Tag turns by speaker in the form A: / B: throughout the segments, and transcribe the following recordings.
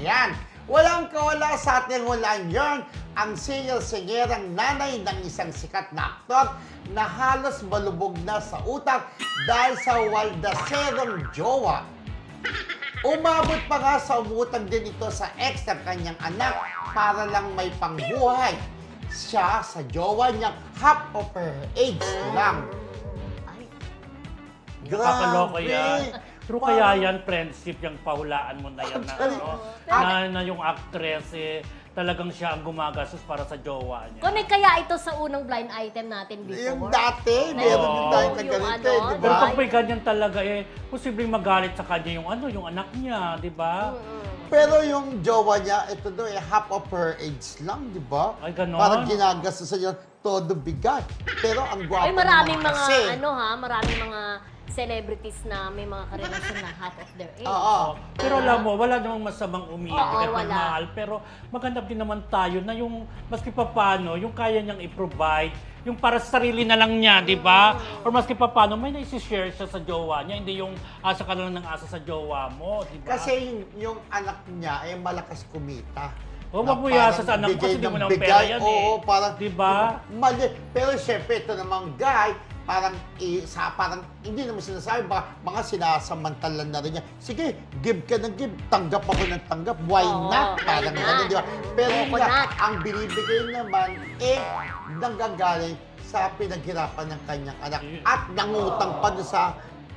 A: Ayan. Walang kawala sa ating hulaan yarn ang singer-singerang nanay ng isang sikat na aktor na halos malubog na sa utang dahil sa waldaserong jowa. Umabot pa nga sa umutang din ito sa ex ng kanyang anak para lang may pangbuhay. Siya sa jowa niyang half of her age lang.
B: Nakakaloka yan.
A: Grabe.
B: True kaya yan, friendship, yung pahulaan mo na yan na,
A: Actually,
B: na yung actress talagang siya ang gumagastos para sa jowa niya.
C: Connect kaya ito sa unang blind item natin before?
A: Yung dati, meron din tayo
C: Yung
A: kaganito,
C: ano,
A: di
B: Pero
A: ba?
B: pag may ganyan talaga posibleng magalit sa kanya yung anak niya, di ba?
A: Pero yung jowa niya, ito daw half of her age lang, di ba?
B: Ay, ganon?
A: Parang ginagastos sa niya todo bigat. Pero ang gwapo
C: Ay, maraming
A: naman
C: mga,
A: kasi.
C: maraming mga celebrities na may mga karelasyon na half of their age.
A: Oo.
B: Pero alam mo, wala namang masamang umibig
C: Oo,
B: at
C: wala.
B: magmahal. Pero maganda din naman tayo na yung maski papano, yung kaya niyang i-provide, yung para sa sarili na lang niya, di ba? Or maski papano, may naisi-share siya sa jowa niya, hindi yung asa ka lang ng asa sa jowa mo, di ba?
A: Kasi yung anak niya ay malakas kumita.
B: O,
A: Na
B: mapuyasa
A: parang
B: sa anak mo
A: bigay
B: kasi hindi mo
A: ng
B: naman
A: bigay.
B: pera yan
A: Oo, parang,
B: Diba?
A: Mali. Pero syempre, ito namang guy, parang hindi naman sinasabi, mga sinasamantalan na rin niya. Sige, give ka ng give, tanggap ako ng tanggap, why
C: Oo,
A: not?
C: why
A: Parang
C: not?
A: gano'n, di ba? Pero yun nga,
C: Coconut.
A: ang binibigay naman, nanggagaling sa pinaghirapan ng kanyang anak. At nangutang pa doon sa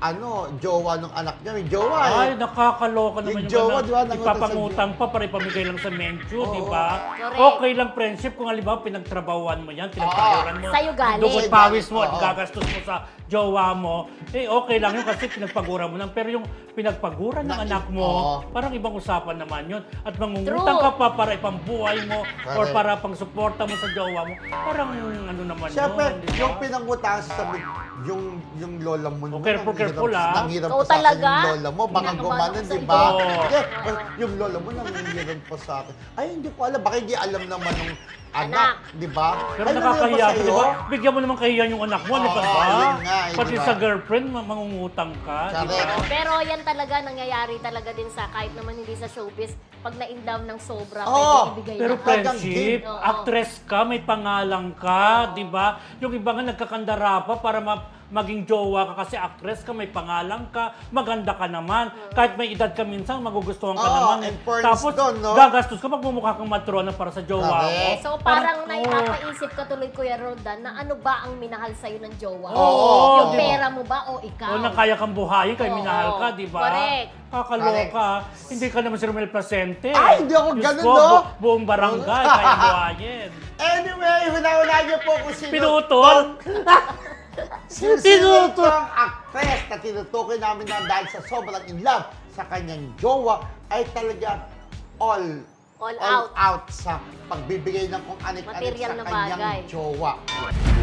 A: jowa ng anak niya. May jowa
B: Ay, nakakaloka naman
A: Yung jowa,
B: anak.
A: di ba, nangutang sa
B: Ipapangutang pa para ipamigay lang sa mensyo, di ba?
C: Correct.
B: Okay lang friendship kung halimbawa pinagtrabahuan mo yan, pinagpaguran mo.
C: Sa'yo galing.
B: Dugot pawis mo at
A: Oo.
B: gagastos mo sa jowa mo. Okay lang yun kasi pinagpaguran mo lang. Pero yung pinagpaguran ng anak mo,
A: Oo.
B: parang ibang usapan naman yun. At mangungutang
C: True.
B: ka pa para ipambuhay mo or
A: Correct.
B: para pang suporta mo sa jowa mo. Parang ano naman
A: Siyempre,
B: yun, di ba?
A: yung pinangutangan sa yung lola mo naman,
B: careful,
A: ang hirap
C: Oo,
A: pa sa akin
C: talaga?
A: yung lola mo. Baka
C: Kinakabahan
A: gumanon,
C: ako sa
A: di ba?
B: iyo.
A: Hindi, yung lola mo nangihiram pa sa akin. Ay, hindi ko alam. Baka hindi alam naman ng anak, di ba?
B: Pero
A: Ay,
B: nakakahiya,
A: nangihiram pa
B: di ba?
A: sa'yo?
B: Bigyan mo naman kahiyan yung anak mo, di ba?
A: Oo, yun nga,
B: Pati
A: di ba?
B: sa girlfriend, mangungutang ka, di ba?
A: Correct.
C: Pero yan talaga nangyayari talaga din sa kahit naman hindi sa showbiz, pag na-inlove ng sobra,
A: Oo,
C: pwede ibigay
B: Pero
C: na.
B: friendship,
C: Oo.
B: actress ka, may pangalan ka, di ba? Yung iba nga nagkakandara pa para maging jowa ka kasi actress ka, may pangalan ka, maganda ka naman. Kahit may edad ka minsan, magugustuhan ka
A: Oo,
B: naman.
A: and fairness
B: Tapos,
A: doon, no?
B: gagastos ka, magmumukha kang matrona para sa jowa mo.
A: Correct.
C: So parang naipapaisip ka tuloy, Kuya Roldan, na ano ba ang minahal sa'yo ng jowa?
B: Oo.
C: Yung pera mo ba o ikaw?
B: O na kaya kang buhayin, kaya
C: Oo.
B: minahal ka, di ba?
C: Correct.
B: Kakaloka. Hindi ka naman si Romel Placente.
A: Ay, hindi ako
B: Diyos
A: ganun,
B: ko,
A: no?
B: buong barangay, kaya buhayin.
A: Anyway, hula-hula niyo po kung sino.
B: Pinutol?
A: Sino
B: Pinutol.
A: ang actress na tinutukoy namin na dahil sa sobrang in love sa kanyang jowa ay talaga all
C: All out.
A: out sa pagbibigay ng kung anik-anik
C: Material
A: sa
C: na
A: kanyang
C: bagay.
A: jowa.